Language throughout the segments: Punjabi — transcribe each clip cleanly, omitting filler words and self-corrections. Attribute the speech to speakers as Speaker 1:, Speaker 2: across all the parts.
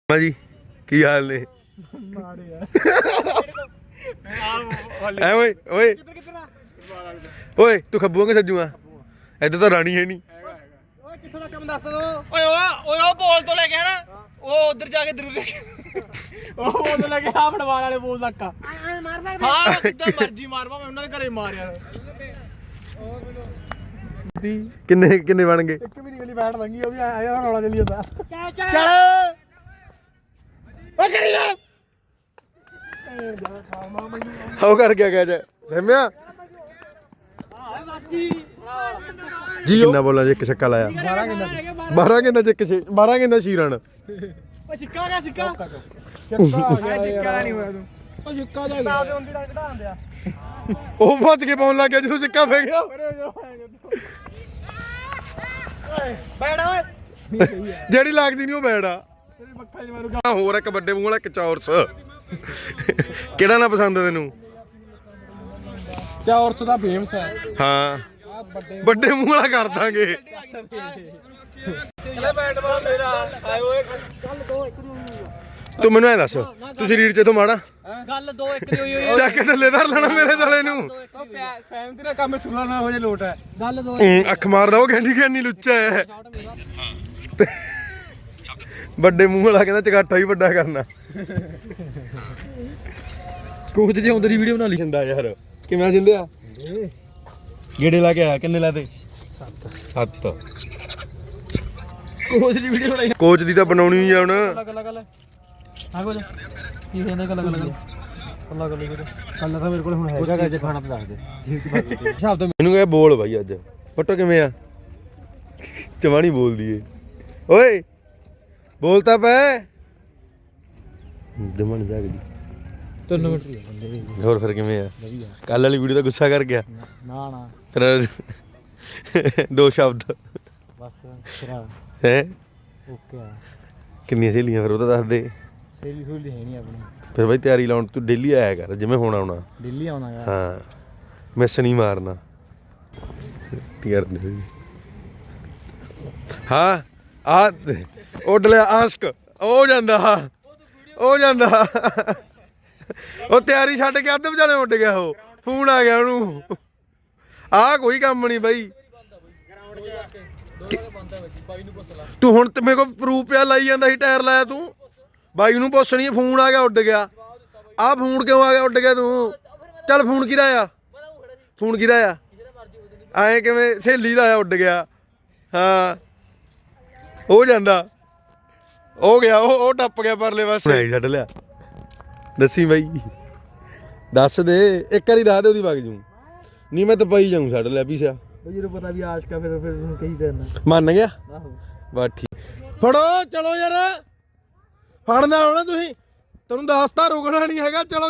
Speaker 1: ਜੀ ਕੀ ਹਾਲ ਨੇ? ਐ ਓਏ ਓਏ ਓਏ ਤੂੰ ਖੱਬੂ ਕਿ ਸੱਜੂ ਆ? ਇੱਧਰ ਤਾਂ ਰਾਣੀ ਹੈ ਨਹੀਂ।
Speaker 2: ਓਏ ਕਿੱਥੋਂ ਦਾ ਕੰਮ ਦੱਸ ਦੋ। ਓਏ ਉਹ ਬੋਲ ਤੋਂ ਲੈ ਕੇ ਹਨਾ ਉਹ ਉਧਰ ਜਾ ਕੇ ਜ਼ਰੂਰ ਉਹ ਬੋਲ ਤੋਂ ਲੈ ਕੇ ਆ ਫੜਵਾਲ ਵਾਲੇ ਬੋਲ ਤੱਕ ਐ ਮਾਰ ਸਕਦੇ ਹਾਂ ਕਿੱਦਾਂ ਮਰਜੀ ਮਾਰਵਾ ਮੈਂ ਉਹਨਾਂ ਦੇ ਘਰੇ ਮਾਰਿਆ।
Speaker 1: ਕਿੰਨੇ ਕਿੰਨੇ ਬਣ ਗਏ?
Speaker 2: ਇੱਕ ਵੀ ਨਹੀਂ ਗਲੀ ਬੈਠ ਲੰਗੀ ਉਹ ਵੀ ਆਇਆ ਰੌਲਾ ਚੱਲੀ ਜਾਂਦਾ। ਚੱਲ ਓ ਕਰੀ ਜਾ
Speaker 1: ਹੋ ਕਰ ਗਿਆ ਜੇ ਸਹਿਮਿਆ ਜੀ। ਕਿੰਨਾ ਬੋਲਾਂ ਜੇ ਇੱਕ ਛੱਕਾ ਲਾਇਆ 12 ਕਿੰਨਾ ਚ 12 ਕਿੰਨਾ ਸ਼ੀਰਨ।
Speaker 2: ਓ ਸਿੱਕਾ ਆ ਗਿਆ ਸਿੱਕਾ ਸਿੱਕਾ ਨਹੀਂ ਹੋਇਆ ਤੂੰ ਓ ਸਿੱਕਾ ਜਾ ਗਿਆ ਉਹਦੀ ਰੰਗ ਢਾਣ ਦਿਆ
Speaker 1: ਉਹ ਭੱਜ ਕੇ ਪਾਉਣ ਲੱਗ ਗਿਆ ਜਦੋਂ ਸਿੱਕਾ ਪੈ ਗਿਆ।
Speaker 2: ਬੈਠ ਓਏ
Speaker 1: ਜਿਹੜੀ ਲੱਗਦੀ ਨਹੀਂ ਉਹ ਬੈੜਾ
Speaker 2: ਤੇਰੀ ਮੱਖਾਂ 'ਚ ਮਾਰੂਗਾ।
Speaker 1: ਹੋਰ ਇੱਕ ਵੱਡੇ ਮੂੰਹ ਵਾਲਾ ਇੱਕ ਚੌਰਸ। ਕਿਹੜਾ ਨਾ ਪਸੰਦ ਤੈਨੂੰ?
Speaker 2: ਚੌਰਸ ਦਾ ਫੇਮਸ ਹੈ।
Speaker 1: ਹਾਂ ਵੱਡੇ ਮੂੰਹ ਵਾਲਾ ਕਰ ਦਾਂਗੇ।
Speaker 2: ਬੈਟ ਬਾਲ ਮੇਰਾ ਆਏ ਓਏ ਗੱਲ ਦੋ ਇੱਕ ਦੀ
Speaker 1: ਤੂੰ ਮੈਨੂੰ ਐ ਦੱਸ ਤੂੰ ਸਰੀਰ ਚ ਤੋਂ ਮਾੜਾ
Speaker 2: ਗੱਲ 2-1 ਦੀ ਹੋਈ
Speaker 1: ਚੱਕ ਥੱਲੇ ਧਰ ਲੈਣਾ ਮੇਰੇ ਸਾਲੇ ਨੂੰ।
Speaker 2: ਸਹਿਮਤੀ ਨਾਲ ਕੰਮ ਸੁਣਾ ਨਾ ਹੋ ਜੇ ਲੋਟ ਹੈ ਗੱਲ 2
Speaker 1: ਅੱਖ ਮਾਰਦਾ ਉਹ ਕਹਿੰਦੀ ਲੁੱਚਾ ਹੈ। ਵੱਡੇ ਮੂੰਹ ਵਾਲਾ ਕਹਿੰਦਾ ਚਗਾਠਾ ਹੀ ਵੱਡਾ ਕਰਨਾ। ਕੋਚ ਦੇ ਆਉਂਦੇ ਦੀ ਵੀਡੀਓ ਬਣਾ ਲਈ ਜਾਂਦਾ ਯਾਰ। ਕਿਵੇਂ ਜਿੰਦਿਆ ਗੇੜੇ ਲਾ ਕੇ ਆਇਆ? ਕਿੰਨੇ ਲਾਤੇ? 7
Speaker 2: ਕੋਚ ਦੀ ਵੀਡੀਓ ਬਣਾਈ।
Speaker 1: ਕੋਚ ਦੀ ਤਾਂ ਬਣਾਉਣੀ ਹੀ ਆ ਹੁਣ।
Speaker 2: ਗੱਲ ਹਾਂ ਕੋਚ ਕੀ ਕਹਿੰਦੇ ਗੱਲ ਅੱਲਾ ਗੱਲ ਕੱਲ ਤਾਂ ਮੇਰੇ ਕੋਲ ਹੁਣ ਹੈਗਾ ਜੇ ਖਾਣਾ ਤਾਂ ਦੱਸ ਦੇ ਸ਼ਬਦ
Speaker 1: ਮੈਨੂੰ ਕਹੇ ਬੋਲ ਬਾਈ ਅੱਜ ਪੱਟੋ ਕਿਵੇਂ ਆ? ਚਵਾਣੀ ਬੋਲਦੀ ਏ ਓਏ ਬੋਲ ਤਾਂ ਪੈ। ਜਮਣ ਜਾਗਦੀ
Speaker 2: 3 ਮਿੰਟ ਹੀ ਬੰਦੇ
Speaker 1: ਹੋਰ ਫਿਰ ਕਿਵੇਂ ਆ? ਕੱਲ ਵਾਲੀ ਵੀਡੀਓ ਤਾਂ ਗੁੱਸਾ ਕਰ ਗਿਆ
Speaker 2: ਨਾ
Speaker 1: ਤੇਰਾ 2 ਸ਼ਬਦ
Speaker 2: ਬਸ ਸਿਰਾ
Speaker 1: ਹੈ।
Speaker 2: ਓਕੇ ਆ
Speaker 1: ਕਿੰਨੀਆਂ ਸਹੇਲੀਆਂ ਫਿਰ ਉਹ ਤਾਂ ਦੱਸ ਦੇ।
Speaker 2: ਸੇਲੀ ਸੂਲੀ ਹੈ ਨਹੀਂ ਆਪਣੀ
Speaker 1: ਫਿਰ ਬਾਈ ਤਿਆਰੀ ਲਾਉਣ ਤੂੰ ਡੇਲੀ ਆਇਆ ਕਰ ਜਿਵੇਂ ਹੁਣ ਆਉਣਾ।
Speaker 2: ਦਿੱਲੀ ਆਉਣਾ ਯਾਰ
Speaker 1: ਹਾਂ ਮਿਸ ਨਹੀਂ ਮਾਰਨਾ। ਹਾਂ ਆ ਉੱਡ ਲਿਆ ਆਸ਼ਕ ਉਹ ਜਾਂਦਾ ਉਹ ਤਿਆਰੀ ਛੱਡ ਕੇ ਅੱਧ ਵਿਚਾਲੇ ਉੱਡ ਗਿਆ। ਉਹ ਫੋਨ ਆ ਗਿਆ ਉਹਨੂੰ। ਆਹ ਕੋਈ ਕੰਮ ਨਹੀਂ ਬਾਈ। ਤੂੰ ਹੁਣ ਤੇ ਮੇਰੇ ਕੋਲ ਪ੍ਰੂਫ ਪਿਆ ਲਾਈ ਜਾਂਦਾ ਸੀ ਟਾਇਰ ਲਾਇਆ ਤੂੰ। ਬਾਈ ਨੂੰ ਪੁੱਛਣੀ ਫੋਨ ਆ ਗਿਆ ਉੱਡ ਗਿਆ। ਆਹ ਫੋਨ ਕਿਉਂ ਆ ਗਿਆ ਉੱਡ ਗਿਆ ਤੂੰ? ਚੱਲ ਫੋਨ ਕਿਹਦਾ ਆ? ਫੋਨ ਕਿਹਦਾ ਆ? ਐਂ ਕਿਵੇਂ ਸਹੇਲੀ ਦਾ ਆ ਉੱਡ ਗਿਆ? ਹਾਂ ਹੋ ਜਾਂਦਾ ਹੋ ਗਿਆ ਉਹ ਟੱਪ ਗਿਆ ਪਰਲੇ ਪਾਸੇ ਛੱਡ ਲਿਆ। ਦੱਸੀ ਬਾਈ ਦੱਸ ਦੇ ਇੱਕ ਵਾਰੀ ਦੱਸ ਦੇ ਉਹਦੀ ਵਗ ਜੂ ਨਹੀਂ ਮੈਂ ਤਾਂ ਪਈ ਜਾਊਂ। ਛੱਡ ਲਿਆ ਪੀਸਿਆ
Speaker 2: ਜਦੋਂ ਪਤਾ ਵੀ ਆਸ਼ਕਾ ਫਿਰ ਉਹਨੂੰ ਕਹੀ ਦੇਣਾ
Speaker 1: ਮੰਨ ਗਿਆ।
Speaker 2: ਆਹੋ
Speaker 1: ਬਸ ਠੀਕ ਫੜੋ ਚਲੋ ਯਾਰ ਫੜਨਾ ਹੋਣਾ ਤੁਸੀਂ। ਤੈਨੂੰ ਦੱਸਤਾ ਰੁਕਣਾ ਨਹੀਂ ਹੈਗਾ। ਚਲੋ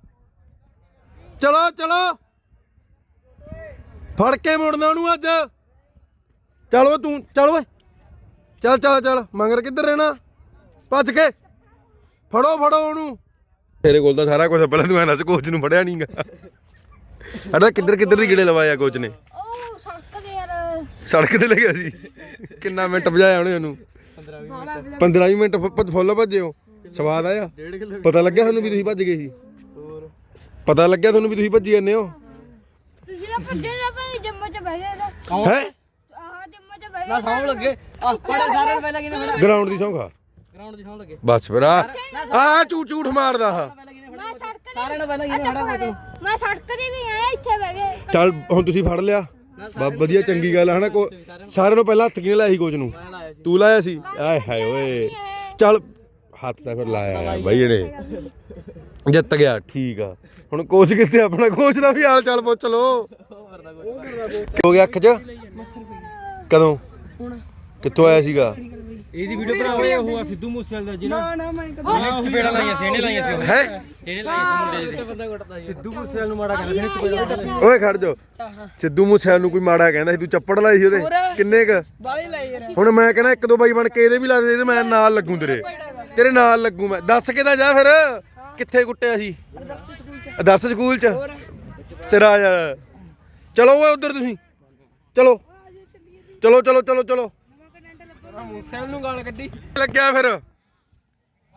Speaker 1: ਫੜ ਕੇ ਮੁੜਨਾ ਉਹਨੂੰ ਅੱਜ। ਚਲੋ ਤੂੰ ਚੱਲ ਓਏ ਚੱਲ ਮੰਗਰ ਕਿੱਧਰ ਰਹਿਣਾ? ਭੱਜ ਕੇ ਫੜੋ ਉਹਨੂੰ। ਤੇਰੇ ਕੋਲ ਤਾਂ ਸਾਰਾ ਕੁਝ ਪਹਿਲਾਂ ਤੂੰ ਐਨਾ ਕੋਚ ਨੂੰ ਫੜਿਆ ਨਹੀਂਗਾ। ਅੜਾ ਕਿੱਧਰ ਦੀ ਗੇੜੇ ਲਵਾਇਆ ਕੋਚ ਨੇ?
Speaker 3: ਉਹ ਸੜਕ ਦੇ ਯਾਰ
Speaker 1: ਸੜਕ ਤੇ ਲੈ ਗਿਆ ਸੀ। ਕਿੰਨਾ ਮਿੰਟ ਭਜਾਇਆ ਉਹਨੇ ਉਹਨੂੰ? 15-20 ਮਿੰਟ ਫੁੱਲ ਭੱਜੇ ਹੋ। ਸਵਾਦ ਆਇਆ? ਪਤਾ ਲੱਗਿਆ ਤੁਹਾਨੂੰ ਵੀ ਤੁਸੀਂ ਭੱਜ ਗਏ ਸੀ? ਪਤਾ ਲੱਗਿਆ ਤੁਹਾਨੂੰ ਵੀ ਤੁਸੀਂ ਭੱਜੀ ਜਾਂਦੇ ਹੋ?
Speaker 3: ਤੁਸੀਂ ਤਾਂ ਭੱਜੇ ਨਾ ਭਾਈ ਜੰਮੂ ਚ ਬਹਿ ਗਏ
Speaker 1: ਹੈ
Speaker 3: ਆਹ ਜੰਮੂ ਚ ਬਹਿ ਗਏ
Speaker 2: ਸੌਂ ਲੱਗੇ ਆ ਫੜਾ ਸਾਰੇ ਨੂੰ ਪਹਿਲਾਂ ਕਿਨੇ
Speaker 1: ਗਰਾਊਂਡ ਦੀ ਸੌਂ ਖਾ।
Speaker 2: ਗਰਾਊਂਡ ਦੀ ਸੌਂ ਲੱਗੇ
Speaker 1: ਬਸ ਫਿਰ ਆ ਝੂਠ ਮਾਰਦਾ ਆ।
Speaker 3: ਮੈਂ ਸੜਕ ਦੇ
Speaker 2: ਸਾਰਿਆਂ ਨੂੰ ਪਹਿਲਾਂ ਕਿਨੇ ਫੜਾ ਕੋਚ ਨੂੰ
Speaker 3: ਮੈਂ ਸੜਕ ਦੇ ਵੀ ਆਇਆ ਇੱਥੇ ਬਹਿ ਗਏ।
Speaker 1: ਚੱਲ ਹੁਣ ਤੁਸੀਂ ਫੜ ਲਿਆ ਵਧੀਆ ਚੰਗੀ ਗੱਲ ਹੈ ਹਨਾ। ਸਾਰਿਆਂ ਨੂੰ ਪਹਿਲਾਂ ਹੱਥ ਕਿਹਨੇ ਲਾਇਆ ਸੀ ਕੋਚ ਨੂੰ? ਤੂੰ ਲਾਇਆ ਸੀ? ਆਏ ਹਾਏ ਓਏ ਚੱਲ ਹੱਥ ਤਾਂ ਫਿਰ ਲਾਇਆ ਬਾਈ ਇਹਨੇ ਜਿੱਤ ਗਿਆ। ਠੀਕ ਆ ਹੁਣ ਕੋਚ ਕਿੱਥੇ? ਆਪਣਾ ਕੋਚ ਦਾ ਵੀ ਹਾਲ ਚਾਲ ਪੁੱਛ ਲੋ। ਹੋ ਗਿਆ ਅੱਖ 'ਚ? ਕਦੋਂ ਕਿੱਥੋਂ ਆਇਆ ਸੀਗਾ?
Speaker 2: ਇਹਦੀ ਵੀਡੀਓ ਬਣਾਵੇ ਉਹ ਆ ਸਿੱਧੂ ਮੂਸੇਵਾਲੇ ਦਾ ਜਿਹਨਾਂ ਨਾ ਮੈਂ ਚਪੇੜਾ ਲਾਈਆਂ ਸੀ ਇਹਨੇ ਲਾਈਆਂ ਸੀ
Speaker 1: ਹੈ
Speaker 2: ਇਹਨੇ ਲਾਈਆਂ ਸੀ ਮੁੰਡੇ ਦੇ। ਸਿੱਧੂ ਮੂਸੇਵਾਲੇ ਨੂੰ ਮਾੜਾ ਕਹਿੰਦੇ ਸੀ ਚਪੇੜਾ।
Speaker 1: ਓਏ ਖੜ ਜਾ। ਸਿੱਧੂ ਮੂਸੇਵਾਲੇ ਨੂੰ ਕੋਈ ਮਾੜਾ ਕਹਿੰਦਾ ਸੀ ਤੂੰ ਚੱਪੜ ਲਾਈ ਸੀ ਉਹਦੇ ਕਿੰਨੇ ਕ?
Speaker 3: ਬਾਲੀ ਲਾਈ ਯਾਰ
Speaker 1: ਹੁਣ ਮੈਂ ਕਹਿੰਦਾ 1-2 ਬਾਈ ਬਣ ਕੇ ਇਹਦੇ ਵੀ ਲਾ ਦੇ ਤੇ ਮੈਂ ਨਾਲ ਲੱਗੂ ਤੇਰੇ ਨਾਲ ਲੱਗੂ ਮੈਂ। ਦੱਸ ਕੇ ਤਾਂ ਜਾ ਫਿਰ ਕਿੱਥੇ ਕੁੱਟਿਆ ਸੀ? ਆਦਰਸ਼ ਸਕੂਲ ਚ ਸਿਰਾ ਯਾਰ। ਚਲੋ ਓਏ ਉਧਰ ਤੁਸੀਂ ਚਲੋ ਮੂਸੇਵਾਲੇ ਨੂੰ ਗਾਲ ਕੱਢੀ ਲੱਗਿਆ ਫਿਰ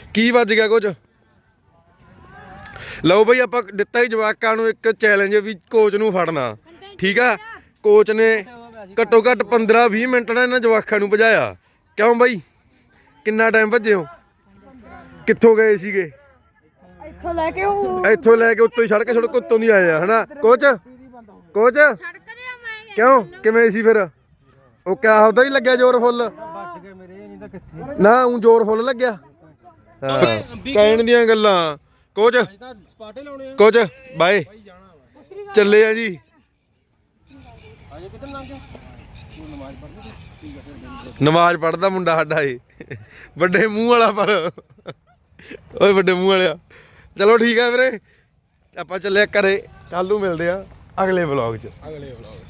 Speaker 1: ਕੀ ਵੱਜ ਗਿਆ ਕੁਝ? ਲਓ ਬਈ ਆਪਾਂ ਦਿੱਤਾ ਹੀ ਜਵਾਕਾਂ ਨੂੰ ਇੱਕ ਚੈਲੰਜ ਵੀ ਕੋਚ ਨੂੰ ਫੜਨਾ, ਠੀਕ ਆ। ਕੋਚ ਨੇ ਘੱਟੋ ਘੱਟ 15-20 ਮਿੰਟ ਨਾਲ ਇਹਨਾਂ ਜਵਾਕਾਂ ਨੂੰ ਭਜਾਇਆ। ਕਿਉਂ ਬਈ, ਕਿੰਨਾ ਟਾਈਮ ਭੱਜੇ ਹੋ? ਕਿੱਥੋਂ ਗਏ ਸੀਗੇ?
Speaker 3: ਇੱਥੋਂ ਲੈ ਕੇ ਉਹ
Speaker 1: ਇੱਥੋਂ ਲੈ ਕੇ ਉੱਤੋਂ ਹੀ ਸੜਕ ਉੱਤੋਂ ਨਹੀਂ ਆਏ ਆ ਹਨਾ ਕੋਚ? ਕੋਚ
Speaker 3: ਸੜਕ ਤੇ ਮੈਂ
Speaker 1: ਕਿਉਂ, ਕਿਵੇਂ ਸੀ ਫਿਰ? ਉਹ ਕਿਆ ਉਹਦਾ ਹੀ ਲੱਗਿਆ ਜ਼ੋਰ ਫੁੱਲ? ਨਾ ਉਹ ਜ਼ੋਰ ਫੁੱਲ ਲੱਗਿਆ। ਹਾਂ ਕਹਿਣ ਦੀਆਂ ਗੱਲਾਂ। ਕੋਚ ਕੋਚ ਬਾਏ ਚੱਲੇ ਆ ਜੀ। ਨਮਾਜ਼ ਪੜ੍ਹਦਾ ਮੁੰਡਾ ਸਾਡਾ ਏ, ਵੱਡੇ ਮੂੰਹ ਵਾਲਾ। ਪਰ ਓਏ ਵੱਡੇ ਮੂੰਹ ਵਾਲਿਆ, ਚਲੋ ਠੀਕ ਆ ਵੀਰੇ, ਆਪਾਂ ਚੱਲੇ ਘਰੇ। ਕੱਲ ਨੂੰ ਮਿਲਦੇ ਆ ਅਗਲੇ ਵਲੌਗ 'ਚ।